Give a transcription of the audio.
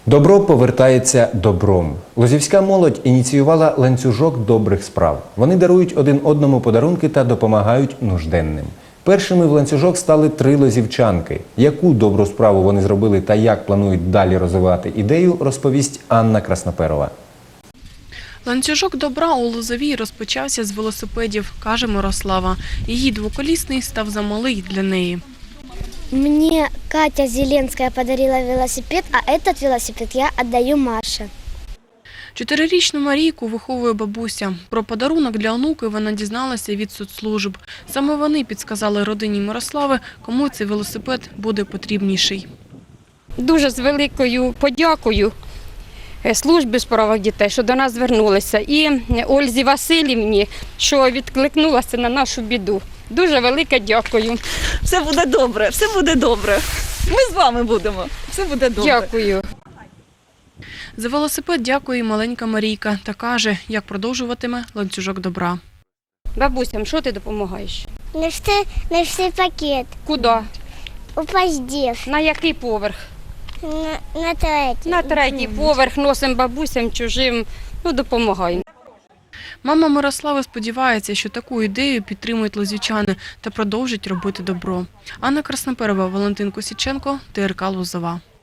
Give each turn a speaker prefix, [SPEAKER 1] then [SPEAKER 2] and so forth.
[SPEAKER 1] Добро повертається добром. Лозівська молодь ініціювала ланцюжок добрих справ. Вони дарують один одному подарунки та допомагають нужденним. Першими в ланцюжок стали 3 лозівчанки. Яку добру справу вони зробили та як планують далі розвивати ідею, розповість Анна Красноперова.
[SPEAKER 2] Ланцюжок добра у Лозовій розпочався з велосипедів, каже Мирослава. Її двоколісний став замалий для неї.
[SPEAKER 3] Мне Катя Зеленская подарила велосипед, а этот велосипед я отдаю Маше.
[SPEAKER 2] 4-річну Марійку виховує бабуся. Про подарунок для онуки вона дізналася від соцслужб. Саме вони підсказали родині Мирослави, кому цей велосипед буде потрібніший.
[SPEAKER 4] Дуже з великою подякою службі у справах дітей, що до нас звернулися, і Ользі Василівні, що відкликнулася на нашу біду. Дуже велике дякую.
[SPEAKER 5] Все буде добре, все буде добре. Ми з вами будемо. Все буде добре.
[SPEAKER 4] Дякую.
[SPEAKER 2] За велосипед дякує і маленька Марійка та каже, як продовжуватиме ланцюжок добра.
[SPEAKER 4] Бабусям, що ти допомагаєш?
[SPEAKER 3] Нести пакет.
[SPEAKER 4] Куди?
[SPEAKER 3] У поздів.
[SPEAKER 4] На який поверх?
[SPEAKER 3] На третій.
[SPEAKER 4] На 3-й поверх носимо бабусям чужим, допомагаємо.
[SPEAKER 2] Мама Мирослави сподівається, що таку ідею підтримують лозівчани та продовжать робити добро. Анна Красноперова, Валентин Косіченко, ТРК Лозова.